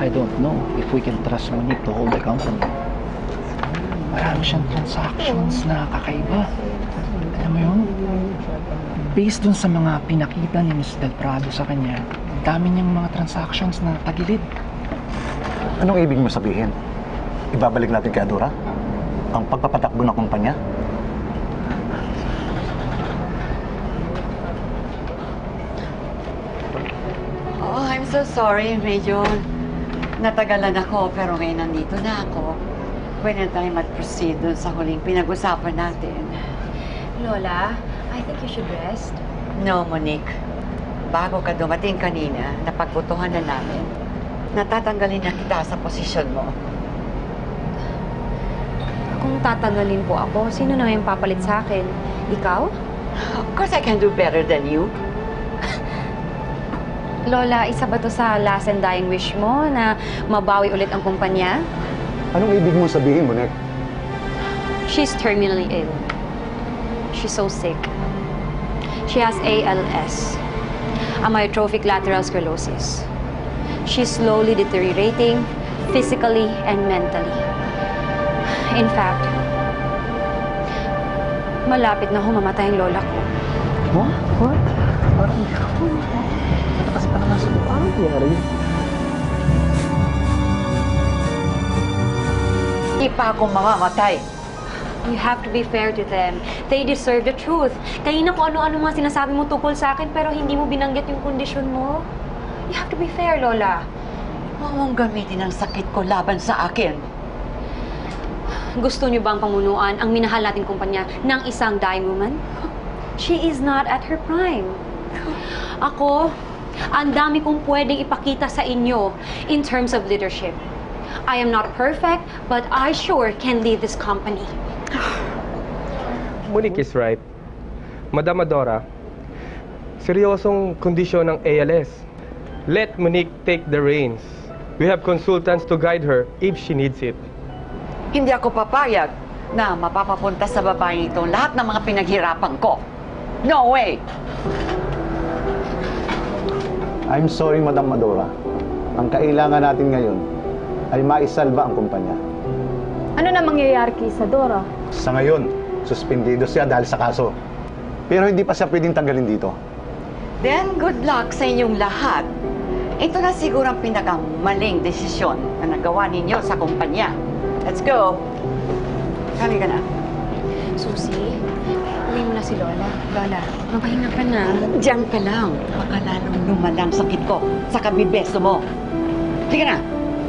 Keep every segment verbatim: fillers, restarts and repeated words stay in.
I don't know if we can trust Monique to hold the company. Marami siyang transactions na kakaiba. Alam mo yun? Based dun sa mga pinakita ni Miss Del Prado sa kanya, dami niyang mga transactions na tagilid. Anong ibig mo sabihin? Ibabalik natin kay Adora? Ang pagpapatakbo ng kumpanya? Oh, I'm so sorry. Medyo natagalan ako, pero ngayon nandito na ako. Pwede tayo mag-proceed dun sa huling pinag-usapan natin. Lola, I think you should rest. No, Monique. Bago ka dumating kanina, napagbutuhan na namin. Natatanggalin na kita sa posisyon mo. Kung tatanggalin po ako, sino na yung papalit sa akin? Ikaw? Of course, I can do better than you. Lola, isa ba to sa last and dying wish mo na mabawi ulit ang kumpanya? Anong ibig mo sabihin, Monique? She's terminally ill. She's so sick. She has A L S, amyotrophic lateral sclerosis. She's slowly deteriorating physically and mentally. In fact, malapit na humamatay ang lola ko. What? What? Parang hindi ako. Matakas pa naman sa mukha. Ano nangyari? Hindi pa ako mamamatay. You have to be fair to them. They deserve the truth. Kanina kung ano-ano mga sinasabi mo tungkol sa akin pero hindi mo binanggit yung kondisyon mo. You have to be fair, Lola. Huwag mong gamitin ang sakit ko laban sa akin. Gusto niyo bang pamunuan ang minahal nating kumpanya ng isang dying woman? She is not at her prime. Ako, ang dami kong pwedeng ipakita sa inyo in terms of leadership. I am not perfect, but I sure can lead this company. Monique is right. Madam Adora, seryosong kondisyon ng A L S. Let Monique take the reins. We have consultants to guide her if she needs it. Hindi ako papayag na mapapapunta sa babaeng ito lahat ng mga pinaghirapan ko. No way! I'm sorry, Madam Adora. Ang kailangan natin ngayon ay maisalba ang kumpanya. Ano na mangyayari kay Isadora? Sa ngayon, suspendido siya dahil sa kaso. Pero hindi pa siya pwedeng tanggalin dito. Then, good luck sa inyong lahat. Ito na siguro ang pinakamaling desisyon na nagawa ninyo sa kumpanya. Let's go! Kali ka na. Susie, uwi mo na si Lola. Lola, mapahinga ka na. Diyan ka lang. Baka lalong lumalang sakit ko sa kabibeso mo. Sige na!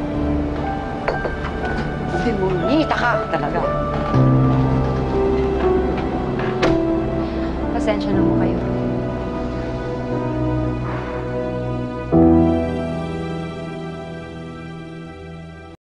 Simonita ka talaga. Pasensya na mo kayo.